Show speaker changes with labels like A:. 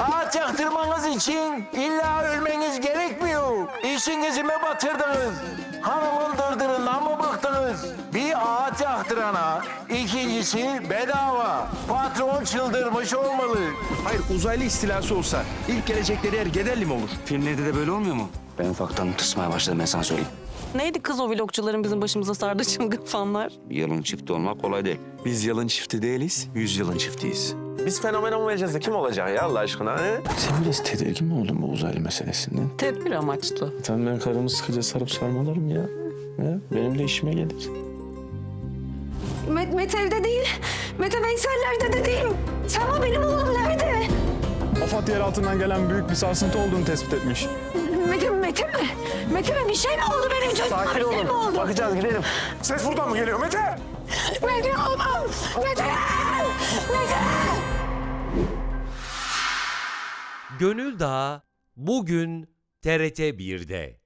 A: Ağaç yaktırmanız için illa ölmeniz gerekmiyor. İşinizi mi batırdınız? Hanımın dırdırından mı bıktınız? Bir ağaç yaktırana ikincisi bedava. Patron çıldırmış olmalı.
B: Hayır, uzaylı istilası olsa ilk gelecekleri yer Gederli mi olur?
C: Filmlerde de böyle olmuyor mu? Ben ufaktan tırsmaya başladım, ben sana söyleyeyim.
D: Neydi kız o vlogçuların bizim başımıza sardığı çılgın fanlar?
C: Yılın çifti olmak kolay değil.
B: Biz yılın çifti değiliz, 100 yılın çiftiyiz.
E: Biz fenomen olmayacağız da kim olacak ya Allah aşkına? He?
F: Sen biraz tedirgin mi oldun bu uzaylı meselesinden?
D: Tedbir amaçlı.
F: Tamam ben karımı sıkıca sarıp sarmalarım ya. Benim de işime gelir.
G: Mete evde değil. Mete Veysel'lerde de değil. Selma benim oğlum nerede?
H: AFAD yer altından gelen büyük bir sarsıntı olduğunu tespit etmiş.
G: Mete mi? Mete mi? Bir şey mi oldu benim çocuğuma?
E: Sakin
G: Bir şey
E: olun.
G: mi oldu?
E: Bakacağız, gidelim. Ses buradan mı geliyor Mete?
G: Mete olmam. Mete! Mete!
I: Gönül Dağı bugün TRT 1'de.